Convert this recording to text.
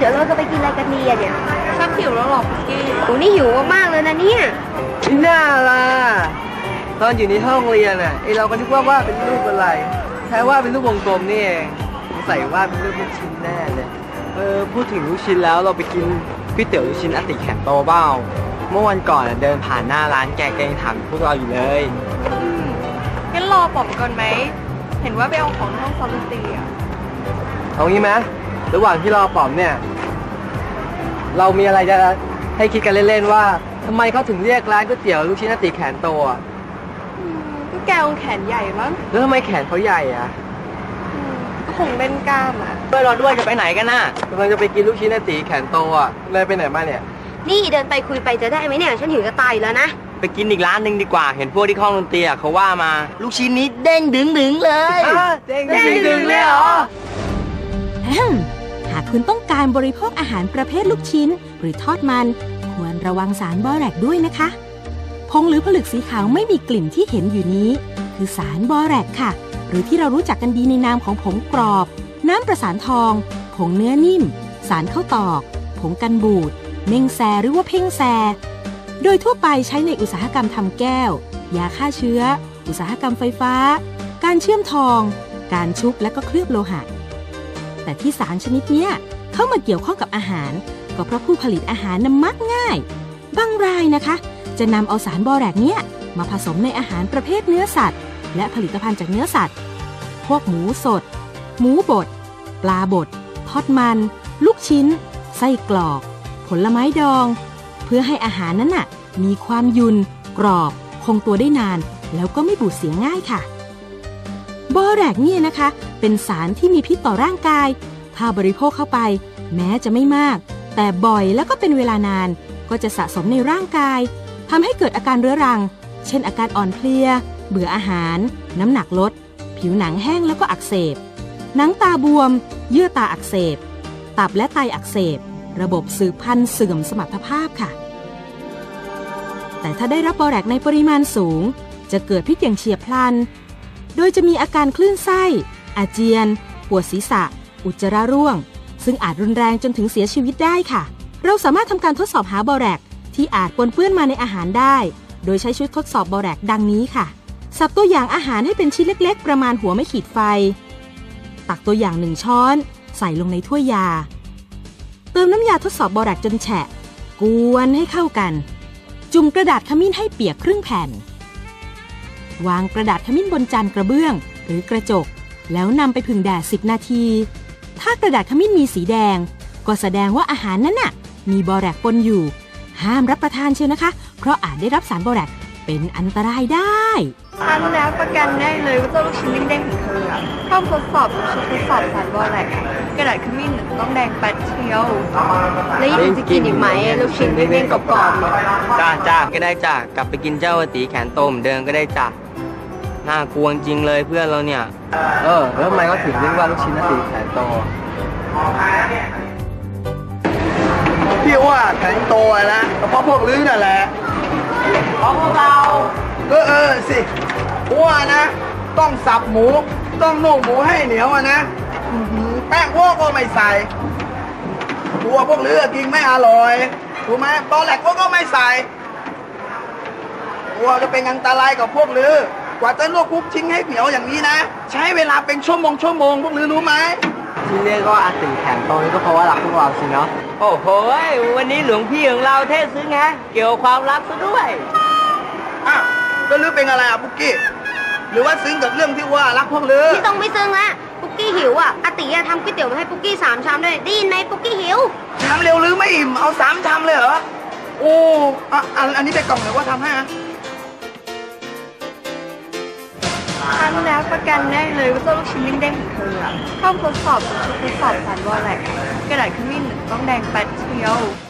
ยวเราจะไปกินอะไรกันดีอะเนี่ยชักหิวแล้วหรอพี่กี้โอ้นี่หิวมากๆเลยนะเนี่ยนี่น่าล่ะตอนอยู่ในห้องเรียนอ่ะเราก็นึกว่าเป็นรูปอะไรแท้ว่าเป็นรูปวงกลมนี่เองใส่ว่าเป็นรูปลูกชิ้นแน่เลยพูดถึงลูกชิ้นแล้วเราไปกินก๋วยเตี๋ยวลูกชิ้นอติแขนโตเบ้าเมื่อวันก่อนเดินผ่านหน้าร้านแกยังถามพวกเราอยู่เลยงั้นรอป๋อมก่อนไหมเห็นว่าไปเอาของในห้องซ้อมดนตรีอะเอางี้ไหมระหว่างที่รอป๋อมเนี่ยเรามีอะไรจะให้คิดกันเล่นๆว่าทำไมเขาถึงเรียกร้านก๋วยเตี๋ยวลูกชิ้นอติแขนโตอ่ะก็แกคงแขนใหญ่มั้งแล้วทำไมแขนเขาใหญ่อ่ะก็คงเป็นกล้ามอ่ะด้วยรอด้วยจะไปไหนกันน่ะกำลังจะไปกินลูกชิ้นอติแขนโตอ่ะเลยไปไหนมาเนี่ยนี่เดินไปคุยไปจะได้ไหมเนี่ยฉันหิวจะตายแล้วนะไปกินอีกร้านหนึ่งดีกว่าเห็นพวกที่ห้องดนตรีเขาว่ามาลูกชิ้นนี้เด้งดึงเลยเด้งดึงเลยเหรอหากคุณต้องการบริโภคอาหารประเภทลูกชิ้นหรือทอดมันควรระวังสารบอแรกด้วยนะคะผงหรือผลึกสีขาวไม่มีกลิ่นที่เห็นอยู่นี้คือสารบอแรกค่ะหรือที่เรารู้จักกันดีในนามของผงกรอบน้ำประสานทองผงเนื้อนิ่มสารข้าวตอกผงกันบูดเม่งแซหรือว่าเพ่งแซโดยทั่วไปใช้ในอุตสาหกรรมทำแก้วยาฆ่าเชื้ออุตสาหกรรมไฟฟ้าการเชื่อมทองการชุบและก็เคลือบโลหะแต่ที่สารชนิดนี้เข้ามาเกี่ยวข้องกับอาหารก็เพราะผู้ผลิตอาหารนั้นมักง่ายบางรายนะคะจะนำเอาสารบอแรกเนี่ยมาผสมในอาหารประเภทเนื้อสัตว์และผลิตภัณฑ์จากเนื้อสัตว์พวกหมูสดหมูบดปลาบดทอดมันลูกชิ้นไส้กรอกผลไม้ดองเพื่อให้อาหารนั้นน่ะมีความยุ่นกรอบคงตัวได้นานแล้วก็ไม่บูดเสียง่ายค่ะบอแรกเนี่ยนะคะเป็นสารที่มีพิษต่อร่างกายถ้าบริโภคเข้าไปแม้จะไม่มากแต่บ่อยแล้วก็เป็นเวลานานก็จะสะสมในร่างกายทำให้เกิดอาการเรื้อรังเช่นอาการอ่อนเพลียเบื่ออาหารน้ำหนักลดผิวหนังแห้งแล้วก็อักเสบหนังตาบวมเยื่อตาอักเสบตับและไตอักเสบระบบสืบพันธุ์เสื่อมสมรรถภาพค่ะแต่ถ้าได้รับบอแรกในปริมาณสูงจะเกิดพิษอย่างเฉียบพลันโดยจะมีอาการคลื่นไส้อาเจียนปวดศีรษะอุจจาระร่วงซึ่งอาจรุนแรงจนถึงเสียชีวิตได้ค่ะเราสามารถทำการทดสอบหาบอแรกที่อาจปนเปื้อนมาในอาหารได้โดยใช้ชุดทดสอบบอแรกดังนี้ค่ะสับตัวอย่างอาหารให้เป็นชิ้นเล็กๆประมาณหัวไม่ขีดไฟตักตัวอย่าง1ช้อนใส่ลงในถ้วยยาเติมน้ำยาทดสอบบอแรกจนแฉะกวนให้เข้ากันจุ่มกระดาษขมิ้นให้เปียกครึ่งแผ่นวางกระดาษขมิ้นบนจานกระเบื้องหรือกระจกแล้วนำไปผึ่งแดด10 นาทีถ้ากระดาษขมิ้นมีสีแดงก็แสดงว่าอาหารนั้นน่ะมีบอแรกปนอยู่ห้ามรับประทานเชียวนะคะเพราะอาจได้รับสารบอแรกเป็นอันตรายได้ฉันแล้วประกันได้เลยว่าเจ้าลูกชิ้นเด้งๆของเธอห้ามทดสอบชุดทดสอบสารบอแรกกระดาษขมิ้นต้องแดงแป๊ดเชียวแล้วยังจะกินอีกไหมลูกชิ้นเด้งๆกรอบๆจ้าก็ได้จ้ากลับไปกินเจ้าอติแขนโตเหมือนเดิมก็ได้จ้าน่ากลัวจริงเลยเพื่อนเราเนี่ยแล้วทำไมเขาถึงเรียกว่าลูกชิ้นอติแขนโตพี่ว่าแขนโตนะก็เพราะพวกลื้อนั่นแหละเพราะพวกเราสิว่านะต้องสับหมูต้องนุ่มหมูให้เหนียวนะแป้งพวกก็ไม่ใส่ตัวพวกลื้อกินไม่อร่อยถูกไหมตอนแรกพวกก็ไม่ใส่ตัวจะเป็นอันตรายกับพวกลื้อกว่าจะลวกคุกชิ้นให้เหนียวอย่างนี้นะใช้เวลาเป็นชั่วโมงพวกลื้อรู้ไหมที่เรียกว่าอติแขนโตนี่ก็เพราะว่ารักพวกเราสิเนาะโอ้โหวันนี้หลวงพี่ของเราเทศซึ้งฮะเกี่ยวความรักซะด้วยแล้วลื้อเป็นอะไรปุ๊กกี้หรือว่าซึ้งกับเรื่องที่ว่ารักพวกลื้อที่ต้องไม่ซึ้งละปุ๊กกี้หิวอาติทำก๋วยเตี๋ยวมาให้ปุ๊กกี้3 ชามด้วยได้ยินไหมปุ๊กกี้หิวชามเร็วลื้อไม่อิ่มเอา3 ชามเลยเหรอโอ้อันนี้ไปกล่องเลยว่าทำให้ฉันแล้วประกันได้เลยว่าเจ้าลูกชิ้นเด้งๆของเธอห้ามทดสอบชุดทดสอบสารบอแรกกระดาษขมิ้นต้องแดงแป๊ดเชียว